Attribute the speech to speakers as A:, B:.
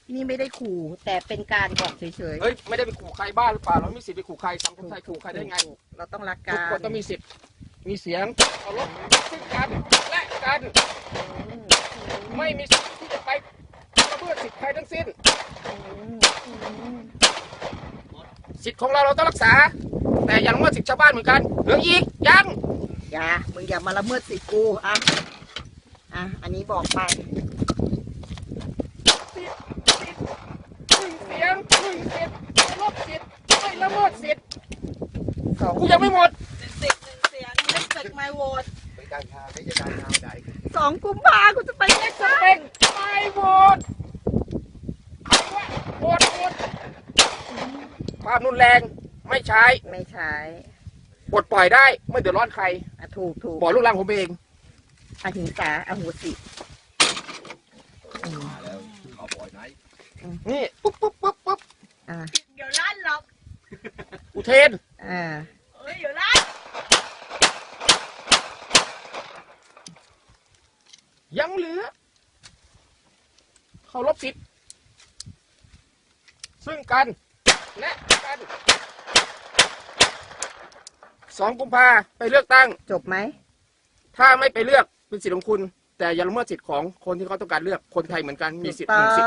A: นี่ไม่ได้ขู่แต่เป็นการบอกเฉย
B: เฮ้ยไม่ได้ไปขู่ใครบ้าหรือเปล่าเราไม่มีสิทธิ์ไปขู่ใครสังคมไทยขู่ใครได้ไง
A: เราต้องรัก
B: ทุ
A: กั
B: ก
A: น
B: คนต้องมีสิทธิ์มีเสียงเคารพซึ่งกันและกันไม่มีสิทธิ์ที่จะไปละเมิดสิทธิ์ใครทั้งสิ้นสิทธิ์ของเราต้องรักษาแต่อย่าละเมิดสิทธิ์ชาวบ้านเหมือนกันเหลืออีกยัง
A: มึงอย่ามาละเมิดสิทธิ์กูอันนี้บอกไป
B: เสียงหนึ่งสิทธิ์เคารพสิทธิ์ไม่ละเมิดสิทธิ์
A: สอง
B: กูยังไม่หมด
A: เสียง respect my vote
C: ไม่การทางไม่จะการทางไหน
A: 2 กุมภากูจะไปเลือกตั้ง
B: เป็นไม่โหวตใครว่าโหวตความรุนแรงไม่ใช้
A: ไม่ใช้
B: ปลดปล่อยได้ไม่เดือดร้อนใคร
A: ถูก
B: บอกลูกหลานผมเอง
A: อหิงสาอโหสิ
C: มาแล้วเขาปล่อยไหน
B: นี่ปุ๊บปุ๊บปุ๊บปุ๊บ
A: เดี๋ยวลั่นหรอก
B: อุเทน
A: เดี๋ยวลั่น
B: ยังเหลือเคารพสิทธิ์ซึ่งกันและกัน2 กุมภาไปเลือกตั้ง
A: จบไหม
B: ถ้าไม่ไปเลือกเป็นสิทธิ์ของคุณ แต่อย่าละเมิดสิทธิ์ของคนที่เขาต้องการเลือกคนไทยเหมือนกันมีสิทธิ์
A: ถูกต้อง
B: 1 สิทธิ์